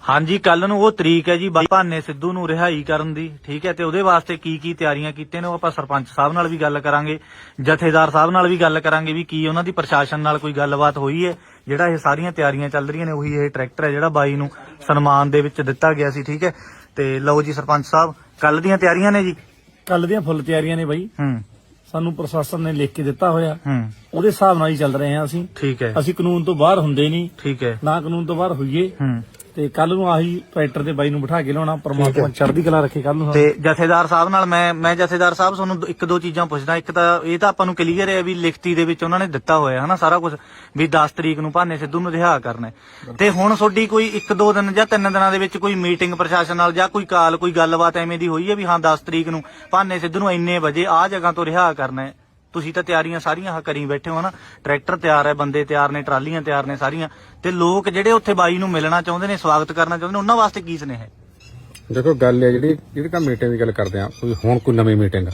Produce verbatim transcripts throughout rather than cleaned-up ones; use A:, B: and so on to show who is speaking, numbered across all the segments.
A: हाँ जी, कल नूं वो तरीक है जी भाने सिद्धू नूं रिहाई करन दी, ठीक है। ते उहदे वास्ते की की तैयारियां कीते ने, आपां सरपंच साहब नाल भी गल करांगे, जथेदार साहब नाल भी गल करांगे भी की उन्हां दी प्रशासन नाल कोई गलबात होई है। ਜਿਹੜਾ ਇਹ ਸਾਰੀਆਂ ਤਿਆਰੀਆਂ ਚੱਲ ਰਹੀਆਂ ਨੇ ਉਹੀ ਇਹ ਟਰੈਕਟਰ ਹੈ ਜਿਹੜਾ ਬਾਈ ਨੂੰ ਸਨਮਾਨ ਦੇ ਵਿੱਚ ਦਿੱਤਾ ਗਿਆ ਸੀ, ਠੀਕ ਹੈ। ਤੇ ਲਓ ਜੀ ਸਰਪੰਚ ਸਾਹਿਬ, ਕੱਲ ਦੀਆਂ ਤਿਆਰੀਆਂ ਨੇ ਜੀ।
B: ਕੱਲ ਦੀਆਂ ਫੁੱਲ ਤਿਆਰੀਆਂ ਨੇ ਬਾਈ।
A: ਹੂੰ,
B: ਸਾਨੂੰ ਪ੍ਰਸ਼ਾਸਨ ਨੇ ਲਿਖ ਕੇ ਦਿੱਤਾ ਹੋਇਆ,
A: ਹੂੰ,
B: ਉਹਦੇ ਹਿਸਾਬ ਨਾਲ ਹੀ ਚੱਲ ਰਹੇ ਹਾਂ ਅਸੀਂ।
A: ਠੀਕ ਹੈ,
B: ਅਸੀਂ ਕਾਨੂੰਨ ਤੋਂ ਬਾਹਰ ਹੁੰਦੇ ਨਹੀਂ,
A: ਠੀਕ ਹੈ,
B: ਨਾ ਕਾਨੂੰਨ ਤੋਂ ਬਾਹਰ ਹੋਈਏ।
A: ਹੂੰ।
B: ਤੇ ਕੱਲ ਨੂੰ ਆਹੀ ਟਰੈਕਟਰ ਤੇ ਬਾਈ ਨੂੰ ਬਿਠਾ ਕੇ ਲਿਆਉਣਾ, ਪਰਮਾਤਮਾ ਚੜ੍ਹਦੀ ਕਲਾ ਰੱਖੇ ਕੱਲ ਨੂੰ।
A: ਤੇ ਜਥੇਦਾਰ ਸਾਹਿਬ ਨਾਲ ਮੈਂ ਮੈਂ ਜਥੇਦਾਰ ਸਾਹਿਬ ਤੁਹਾਨੂੰ ਇੱਕ ਦੋ ਚੀਜ਼ਾਂ ਪੁੱਛਦਾ। ਇੱਕ ਤਾਂ ਇਹ ਤਾਂ ਆਪਾਂ ਨੂੰ ਕਲੀਅਰ ਹੈ ਵੀ ਲਿਖਤੀ ਦੇ ਵਿੱਚ ਉਹਨਾਂ ਨੇ ਦਿੱਤਾ ਹੋਇਆ ਹਨਾ ਸਾਰਾ ਕੁਝ, ਵੀ ਦਸ ਤਰੀਕ ਨੂੰ ਭਾਨੇ ਸਿੱਧੂ ਨੂੰ ਰਿਹਾ ਕਰਨਾ। ਤੇ ਹੁਣ ਤੁਹਾਡੀ ਕੋਈ ਇੱਕ ਦੋ ਦਿਨ ਜਾਂ ਤਿੰਨ ਦਿਨਾਂ ਦੇ ਵਿੱਚ ਕੋਈ ਮੀਟਿੰਗ ਪ੍ਰਸ਼ਾਸਨ ਨਾਲ ਜਾਂ ਕੋਈ ਕਾਲ ਕੋਈ ਗੱਲਬਾਤ ਐਵੇਂ ਦੀ ਹੋਈ ਹੈ ਵੀ ਹਾਂ ਦਸ ਤਰੀਕ ਨੂੰ ਭਾਨੇ ਸਿੱਧੂ ਨੂੰ ਇੰਨੇ ਵਜੇ ਆਹ ਜਗ੍ਹਾ ਤੋਂ ਰਿਹਾ ਕਰਨਾ ਹੈ? ਤੁਸੀਂ ਤਾਂ ਤਿਆਰੀਆਂ ਸਾਰੀਆਂ ਕਰੀ ਬੈਠੇ ਹੋ ਨਾ, ਟਰੈਕਟਰ ਤਿਆਰ ਹੈ, ਬੰਦੇ ਤਿਆਰ ਨੇ, ਟਰਾਲੀਆਂ ਤਿਆਰ ਨੇ ਸਾਰੀਆਂ। ਤੇ ਲੋਕ ਜਿਹੜੇ ਉੱਥੇ ਬਾਈ ਨੂੰ ਮਿਲਣਾ ਚਾਹੁੰਦੇ ਨੇ, ਸਵਾਗਤ ਕਰਨਾ ਚਾਹੁੰਦੇ ਨੇ, ਉਹਨਾਂ ਵਾਸਤੇ ਕੀ ਸੁਨੇਹਾ ਹੈ?
C: ਦੇਖੋ ਗੱਲ ਹੈ ਜਿਹੜੀ ਜਿਹੜੀ ਤਾਂ ਮੀਟਿੰਗ ਦੀ ਗੱਲ ਕਰਦੇ ਆ, ਕੋਈ ਹੁਣ ਕੋਈ ਨਵੀਂ ਮੀਟਿੰਗ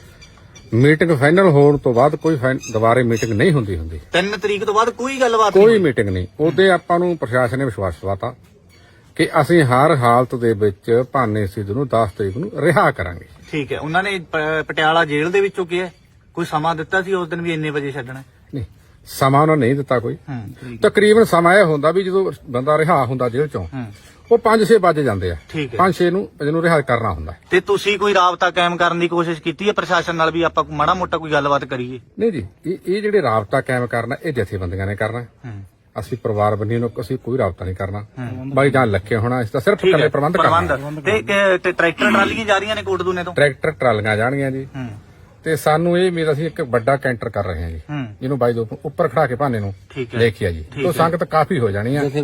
C: ਮੀਟਿੰਗ ਫਾਈਨਲ ਹੋਣ ਤੋਂ ਬਾਅਦ ਕੋਈ ਦੁਬਾਰੇ ਮੀਟਿੰਗ ਨਹੀਂ ਹੁੰਦੀ ਹੁੰਦੀ
A: ਤਿੰਨ ਤਰੀਕ ਤੋਂ ਬਾਅਦ ਕੋਈ ਗੱਲਬਾਤ
C: ਕੋਈ ਮੀਟਿੰਗ ਨਹੀਂ। ਉਹਦੇ ਆਪਾਂ ਨੂੰ ਪ੍ਰਸ਼ਾਸਨ ਨੇ ਵਿਸ਼ਵਾਸ ਦਿਵਾਤਾ ਕਿ ਅਸੀਂ ਹਰ ਹਾਲਤ ਦੇ ਵਿੱਚ ਭਾਨੇ ਸਿੱਧੂ ਨੂੰ ਦਸ ਤਰੀਕ ਨੂੰ ਰਿਹਾ ਕਰਾਂਗੇ।
A: ਠੀਕ ਹੈ। ਉਹਨਾਂ ਨੇ ਪ- ਪਟਿਆਲਾ ਜੇਲ੍ਹ ਦੇ ਵਿੱਚੋਂ ਕਿਹਾ ਕੋਈ ਸਮਾਂ ਦਿੱਤਾ ਸੀ ਉਸ ਦਿਨ ਵੀ ਇੰਨੇ ਵਜੇ ਛੱਡਣਾ?
C: ਨਹੀਂ, ਸਮਾਂ ਉਹਨਾਂ ਨੇ ਨਹੀਂ ਦਿੱਤਾ ਕੋਈ।
A: ਹੂੰ,
C: ਤਕਰੀਬਨ ਸਮਾਂ ਇਹ ਹੁੰਦਾ ਵੀ ਜਦੋਂ ਬੰਦਾ ਰਿਹਾ ਹੁੰਦਾ ਜੇਲ੍ਹ ਚੋਂ
A: ਹੂੰ,
C: ਉਹ ਪੰਜ ਛੇ ਵਜੇ ਜਾਂਦੇ ਆ,
A: ਠੀਕ ਹੈ।
C: ਪੰਜ ਛੇ ਨੂੰ ਇਹਨੂੰ ਰਿਹਾ ਕਰਨਾ ਹੁੰਦਾ।
A: ਤੇ ਤੁਸੀਂ ਕੋਈ ਰਾਬਤਾ ਕਾਇਮ ਕਰਨ ਦੀ ਕੋਸ਼ਿਸ਼ ਕੀਤੀ ਹੈ ਪ੍ਰਸ਼ਾਸਨ ਨਾਲ ਵੀ ਆਪਾਂ ਮਾੜਾ ਮੋਟਾ ਕੋਈ ਗੱਲਬਾਤ ਕਰੀਏ?
C: ਨਹੀਂ ਜੀ, ਇਹ ਇਹ ਜਿਹੜੇ ਰਾਬਤਾ ਕਾਇਮ ਕਰਨਾ ਇਹ ਜਥੇਬੰਦੀਆਂ ਨੇ ਕਰਨਾ।
A: ਹੂੰ,
C: ਅਸੀਂ ਪਰਿਵਾਰ ਬੰਨੀ ਨੂੰ ਅਸੀਂ ਕੋਈ ਰਾਬਤਾ ਨਹੀਂ ਕਰਨਾ। ਬਾਈ ਜਾਨ ਲੱਖੇ ਹੋਣਾ, ਇਸ ਦਾ ਸਿਰਫ ਇਕੱਲੇ ਪ੍ਰਬੰਧ ਕਰਨਾ।
A: ਪ੍ਰਬੰਧ ਤੇ ਤੇ ਟਰੈਕਟਰ ਟਰਾਲੀਆਂ ਜਾ ਰਹੀਆਂ ਨੇ ਕੋਟਦੂਨੇ ਤੋਂ?
C: ਟਰੈਕਟਰ ਟਰਾਲੀਆਂ ਜਾਣਗੀਆਂ ਜੀ।
A: ਹੂੰ,
C: ਤੇ ਸਾਨੂੰ ਇਹ ਮੇਰਾ ਅਸੀਂ ਇੱਕ ਵੱਡਾ ਕੈਂਟਰ ਕਰ ਰਹੇ ਹਾਂ ਜੀ,
A: ਹੂੰ,
C: ਜਿਹਨੂੰ ਬਾਈ ਦੇ ਉੱਪਰ ਖੜਾ ਕੇ ਭਾਨੇ ਨੂੰ
A: ਠੀਕ ਹੈ,
C: ਦੇਖਿਆ ਜੀ।
A: ਠੀਕ
C: ਤੋਂ
A: ਹੈ।
C: ਸੰਗਤ ਕਾਫੀ ਹੋ ਜਾਣੀ ਆ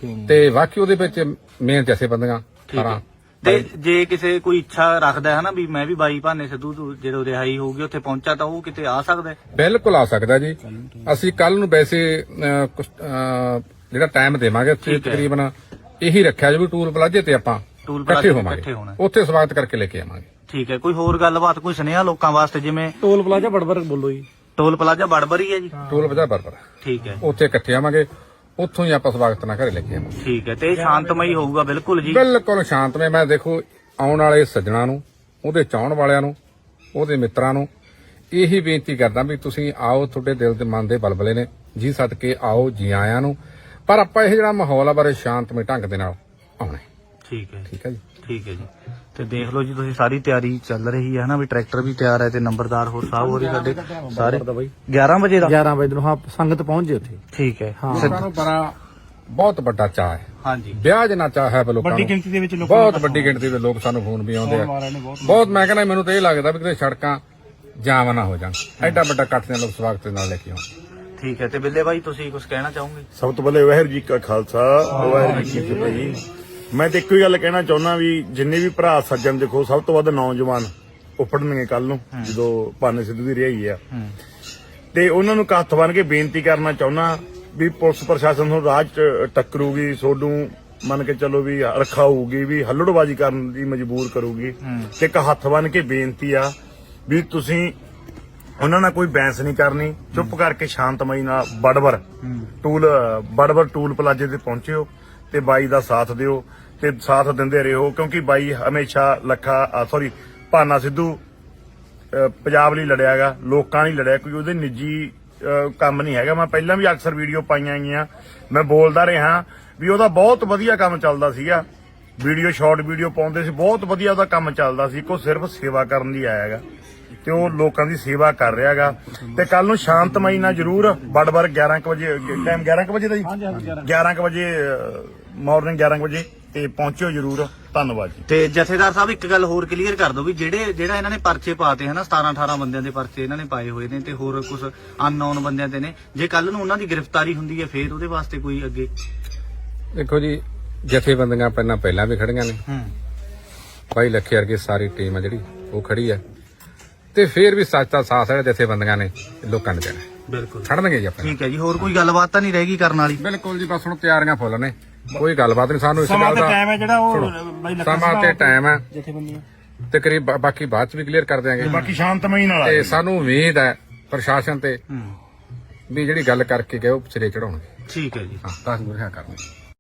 C: ਤੇ ਬਾਕੀ ਉਹਦੇ ਵਿੱਚ ਮੇਨ ਜੈਸੇ ਬੰਦੀਆਂ
A: ਠੀਕ ਹੈ। ਤੇ ਜੇ ਕਿਸੇ ਕੋਈ ਇੱਛਾ ਰੱਖਦਾ ਹੈ ਨਾ ਵੀ ਮੈਂ ਵੀ ਬਾਈ ਭਾਨੇ ਸਿੱਧੂ ਤੋਂ ਜਦੋਂ ਰਿਹਾਈ ਹੋਊਗੀ ਉੱਥੇ ਪਹੁੰਚਾ ਤਾਂ ਉਹ ਕਿਤੇ ਆ ਸਕਦਾ ਹੈ?
C: ਬਿਲਕੁਲ ਆ ਸਕਦਾ ਜੀ। ਅਸੀਂ ਕੱਲ ਨੂੰ ਵੈਸੇ ਅਹ, ਕੁਛ, ਅਹ, ਜਿਹੜਾ ਟਾਈਮ ਦੇਵਾਂਗੇ ਉੱਥੇ ਤਕਰੀਬਨ ਇਹੀ ਰੱਖਿਆ ਜੀ ਵੀ ਟੂਲ ਪਲਾਜ਼ੇ ਤੇ ਆਪਾਂ
A: ਟੂਲ
C: ਇਕੱਠੇ
A: ਪਲਾਜ਼ੇ
C: ਹੋਵਾਂਗੇ,
A: ਇਕੱਠੇ ਹੋਣਾ।
C: ਉੱਥੇ ਸਵਾਗਤ ਕਰਕੇ ਲੈ ਕੇ ਆਵਾਂਗੇ।
A: ਠੀਕ ਹੈ। ਕੋਈ ਹੋਰ ਗੱਲਬਾਤ ਕੋਈ ਸੁਨੇਹਾ ਲੋਕਾਂ ਵਾਸਤੇ? ਜਿਵੇਂ
B: ਟੋਲ ਪਲਾਜ਼ਾ ਬੜਬੜ ਬੋਲੋ ਜੀ।
A: ਟੋਲ ਪਲਾਜ਼ਾ ਬੜਬਰੀ ਹੈ ਜੀ?
C: ਟੂਲ ਪਲਾਜ਼ਾ ਬਰਬਰ
A: ਠੀਕ ਹੈ,
C: ਉੱਥੇ ਇਕੱਠੇ ਆਵਾਂਗੇ, ਉੱਥੋਂ ਹੀ ਆਪਾਂ ਸਵਾਗਤ ਨਾਲ ਘਰੇ ਲੈ ਕੇ ਆਵਾਂਗੇ।
A: ਠੀਕ ਹੈ। ਤੇ ਇਹ ਸ਼ਾਂਤਮਈ ਹੋਊਗਾ ਬਿਲਕੁਲ ਜੀ?
C: ਬਿਲਕੁਲ ਸ਼ਾਂਤਮਈ। ਮੈਂ ਦੇਖੋ ਆਉਣ ਵਾਲੇ ਸੱਜਣਾ ਨੂੰ, ਉਹਦੇ ਚਾਹਣ ਵਾਲਿਆਂ ਨੂੰ, ਉਹਦੇ ਮਿੱਤਰਾਂ ਨੂੰ ਇਹੀ ਬੇਨਤੀ ਕਰਦਾ ਵੀ ਤੁਸੀਂ ਆਓ, ਤੁਹਾਡੇ ਦਿਲ ਦੇ ਮਨ ਦੇ ਬਲਬਲੇ ਨੇ ਜੀ, ਸਦਕੇ ਆਓ, ਜੀ ਆਇਆਂ ਨੂੰ। ਪਰ ਆਪਾਂ ਇਹ ਜਿਹੜਾ ਮਾਹੌਲ ਆ ਬਾਰੇ ਸ਼ਾਂਤਮਈ ਢੰਗ ਦੇ ਨਾਲ ਆਉਣਾ।
A: ਠੀਕ ਹੈ,
C: ਠੀਕ ਹੈ ਜੀ।
A: ਠੀਕ ਹੈ ਜੀ। ਤੇ ਦੇਖ ਲਓ ਜੀ ਤੁਸੀਂ ਸਾਰੀ ਤਿਆਰੀ ਚੱਲ ਰਹੀ ਹੈ ਨਾ, ਵੀ ਟਰੈਕਟਰ ਵੀ ਤਿਆਰ ਹੈ ਤੇ ਨੰਬਰਦਾਰ ਹੋਰ ਸਾਹਿਬ ਹੋਰੀ ਸਾਡੇ ਸਾਰੇ ਗਿਆਰਾਂ ਵਜੇ ਦਾ
B: ਗਿਆਰਾਂ ਵਜੇ ਨੂੰ ਹਾਂ ਸੰਗਤ ਪਹੁੰਚ ਜੇ ਉੱਥੇ।
A: ਠੀਕ ਹੈ।
C: ਲੋਕਾਂ ਨੂੰ ਬੜਾ ਬਹੁਤ ਵੱਡਾ ਚਾਅ ਹੈ।
A: ਹਾਂਜੀ,
C: ਵਿਆਹ ਜਨਾ ਚਾਅ ਹੈ ਲੋਕਾਂ
B: ਵੱਡੀ
C: ਨੂੰ,
B: ਗਿਣਤੀ ਦੇ ਵਿੱਚ ਲੋਕ
C: ਬਹੁਤ ਵੱਡੀ ਗਿਣਤੀ ਦੇ ਲੋਕ ਸਾਨੂੰ ਫੋਨ ਵੀ ਆਉਂਦੇ ਆ। ਬਹੁਤ ਮੈਂ ਕਹਿੰਦਾ ਮੈਨੂੰ ਤਾਂ ਇਹ ਲੱਗਦਾ ਵੀ ਕਿਤੇ ਸੜਕਾਂ ਜਾਮ ਨਾ ਹੋ ਜਾਣ, ਐਡਾ ਵੱਡਾ ਇਕੱਠ ਦੇ ਲੋਕ ਸਵਾਗਤ ਦੇ ਨਾਲ ਲੈ ਕੇ ਆਉਣ।
A: ਠੀਕ ਹੈ। ਤੇ ਬਿੱਲੇ ਭਾਈ ਤੁਸੀਂ ਕੁਝ ਕਹਿਣਾ ਚਾਹੋਗੇ?
D: ਸਭ ਤੋਂ ਪਹਿਲੇ ਵਾਹਿਗੁਰੂ ਜੀ ਕਾ ਖਾਲਸਾ ਵਾਹਿਗੁਰੂ ਜੀ ਕੀ ਫਤਿਹ ਜੀ। ਮੈਂ ਤੇ ਇੱਕੋ ਹੀ ਗੱਲ ਕਹਿਣਾ ਚਾਹੁੰਦਾ ਵੀ ਜਿੰਨੇ ਵੀ ਭਰਾ ਸੱਜਣ ਦੇਖੋ, ਸਭ ਤੋਂ ਵੱਧ ਨੌਜਵਾਨ ਉੱਪੜਨਗੇ ਕੱਲ ਨੂੰ ਜਦੋਂ ਭਾਨੇ ਸਿੱਧੂ ਦੀ ਰਿਹਾਈ ਆ। ਤੇ ਉਹਨਾਂ ਨੂੰ ਹੱਥ ਬੰਨ੍ਹ ਕੇ ਬੇਨਤੀ ਕਰਨਾ ਚਾਹੁੰਦਾ ਵੀ ਪੁਲਿਸ ਪ੍ਰਸ਼ਾਸਨ ਨੂੰ ਰਾਹ 'ਚ ਟੱਕਰੂਗੀ, ਸੋਡੂ ਮੰਨ ਕੇ ਚੱਲੋ ਵੀ ਰਖਾਊਗੀ, ਵੀ ਹੱਲੜਬਾਜ਼ੀ ਕਰਨ ਦੀ ਮਜਬੂਰ ਕਰੂਗੀ। ਤੇ ਇੱਕ ਹੱਥ ਬੰਨ੍ਹ ਕੇ ਬੇਨਤੀ ਆ ਵੀ ਤੁਸੀਂ ਉਹਨਾਂ ਨਾਲ ਕੋਈ ਬਹਿਸ ਨਹੀਂ ਕਰਨੀ, ਚੁੱਪ ਕਰਕੇ ਸ਼ਾਂਤਮਈ ਨਾਲ ਬੜਬੜ ਟੂਲ ਬੜਬੜ ਟੂਲ ਪਲਾਜ਼ੇ ਤੇ ਪਹੁੰਚਿਓ ਤੇ ਬਾਈ ਦਾ ਸਾਥ ਦਿਓ ਤੇ ਸਾਥ ਦਿੰਦੇ ਰਹੋ, ਕਿਉਂਕਿ ਬਾਈ ਹਮੇਸ਼ਾ ਲੱਖਾ ਸੌਰੀ ਭਾਨਾ ਸਿੱਧੂ ਅਹ, ਪੰਜਾਬ ਲਈ ਲੜਿਆਗਾ, ਲੋਕਾਂ ਲਈ ਲੜਿਆ, ਕੋਈ ਉਹਦੇ ਨਿੱਜੀ ਅਹ, ਕੰਮ ਨਹੀਂ ਹੈਗਾ। ਮੈਂ ਪਹਿਲਾਂ ਵੀ ਅਕਸਰ ਵੀਡੀਓ ਪਾਈਆਂ ਗਈਆਂ, ਮੈਂ ਬੋਲਦਾ ਰਿਹਾ ਵੀ ਉਹਦਾ ਬਹੁਤ ਵਧੀਆ ਕੰਮ ਚੱਲਦਾ ਸੀਗਾ, ਵੀਡੀਓ ਸ਼ਾਰਟ ਵੀਡੀਓ ਪਾਉਂਦੇ ਸੀ, ਬਹੁਤ ਵਧੀਆ ਉਹਦਾ ਕੰਮ ਚੱਲਦਾ ਸੀ। ਕੋ ਸਿਰਫ ਸੇਵਾ ਕਰਨ ਲਈ ਆਇਆਗਾ ਤੇ ਉਹ ਲੋਕਾਂ ਦੀ ਸੇਵਾ ਕਰ ਰਿਹਾਗਾ। ਤੇ ਕੱਲ ਨੂੰ ਸ਼ਾਂਤਮਈ ਨਾਲ ਜ਼ਰੂਰ ਬੜਬੜ ਗਿਆਰਾਂ ਕੁ ਵਜੇ ਟਾਈਮ ਗਿਆਰਾਂ ਕੁ ਵਜੇ ਦਾ ਜੀ, ਗਿਆਰਾਂ ਕੁ ਵਜੇ ਮਾਰਨਿੰਗ ਗਿਆਰਾਂ ਕੁ ਵਜੇ ਤੇ ਪਹੁੰਚਿਓ ਜ਼ਰੂਰ। ਧੰਨਵਾਦ ਜੀ।
A: ਤੇ ਜਥੇਦਾਰ ਸਾਹਿਬ ਇੱਕ ਗੱਲ ਹੋਰ ਕਲੀਅਰ ਕਰ ਦਿਓ ਵੀ ਜਿਹੜੇ ਜਿਹੜਾ ਇਹਨਾਂ ਨੇ ਪਰਚੇ ਪਾਤੇ ਹਨਾ, ਸਤਾਰਾਂ ਅਠਾਰਾਂ ਬੰਦਿਆਂ ਦੇ ਪਰਚੇ ਇਹਨਾਂ ਨੇ ਪਾਏ ਹੋਏ ਨੇ ਤੇ ਹੋਰ ਕੁਝ ਅਨਨੋਨ ਬੰਦਿਆਂ ਤੇ ਨੇ, ਜੇ ਕੱਲ ਨੂੰ ਉਹਨਾਂ ਦੀ ਗ੍ਰਿਫਤਾਰੀ ਹੁੰਦੀ ਹੈ ਫੇਰ ਉਹਦੇ ਵਾਸਤੇ ਕੋਈ ਅੱਗੇ?
C: ਦੇਖੋ ਜੀ, ਜਥੇਬੰਦੀਆਂ ਪਹਿਲਾਂ ਪਹਿਲਾਂ ਵੀ ਖੜੀਆਂ ਨੇ,
A: ਹੂੰ,
C: ਬਾਈ ਲੱਖੇ ਵਰਗੀ ਸਾਰੀ ਟੀਮ ਆ ਜਿਹੜੀ ਉਹ ਖੜੀ ਹੈ, ਤੇ ਫੇਰ ਵੀ ਸੱਚ ਦਾ ਸਾਥ ਹੈ ਜਥੇਬੰਦੀਆਂ ਨੇ ਲੋਕਾਂ ਨੇ ਦੇਣਾ।
A: ਬਿਲਕੁਲ
C: ਖੜਨਗੇ ਜੀ ਆਪਣੇ।
A: ਠੀਕ ਹੈ ਜੀ। ਹੋਰ ਕੋਈ ਗੱਲਬਾਤ ਤਾਂ ਨਹੀਂ ਰਹੇਗੀ ਕਰਨ ਵਾਲੀ?
C: ਬਿਲਕੁਲ ਜੀ, ਬਸ ਹੁਣ ਤਿਆਰੀਆਂ ਫੁੱਲ ਨੇ, ਕੋਈ ਗੱਲਬਾਤ ਨਹੀਂ। ਸਾਨੂੰ ਇਸ
B: ਸਮਾਂ
C: ਗੱਲ
B: ਤੇ
C: ਦਾ
B: ਟਾਈਮ ਹੈ ਜਿਹੜਾ ਉਹ ਬਾਈ ਲੱਖਾ
C: ਸਮਾਂ ਤੇ ਟਾਈਮ ਹੈ,
B: ਜਥੇਬੰਦੀਆਂ
C: ਤੇ ਕਰੀਬ ਬਾਕੀ ਬਾਅਦ ਚ ਵੀ ਕਲੀਅਰ ਕਰ ਦਿਆਂਗੇ।
D: ਬਾਕੀ ਸ਼ਾਂਤਮਈ ਨਾਲ
C: ਤੇ ਸਾਨੂੰ ਉਮੀਦ ਹੈ ਪ੍ਰਸ਼ਾਸਨ ਤੇ
A: ਹੂੰ,
C: ਵੀ ਜਿਹੜੀ ਗੱਲ ਕਰਕੇ ਗਏ ਉਹ ਸਿਰੇ ਚੜਾਉਣਗੇ।
A: ਠੀਕ ਹੈ ਜੀ।
C: ਹਾਂ, ਤਾਂ ਰਿਹਾ ਕਰਨਗੇ।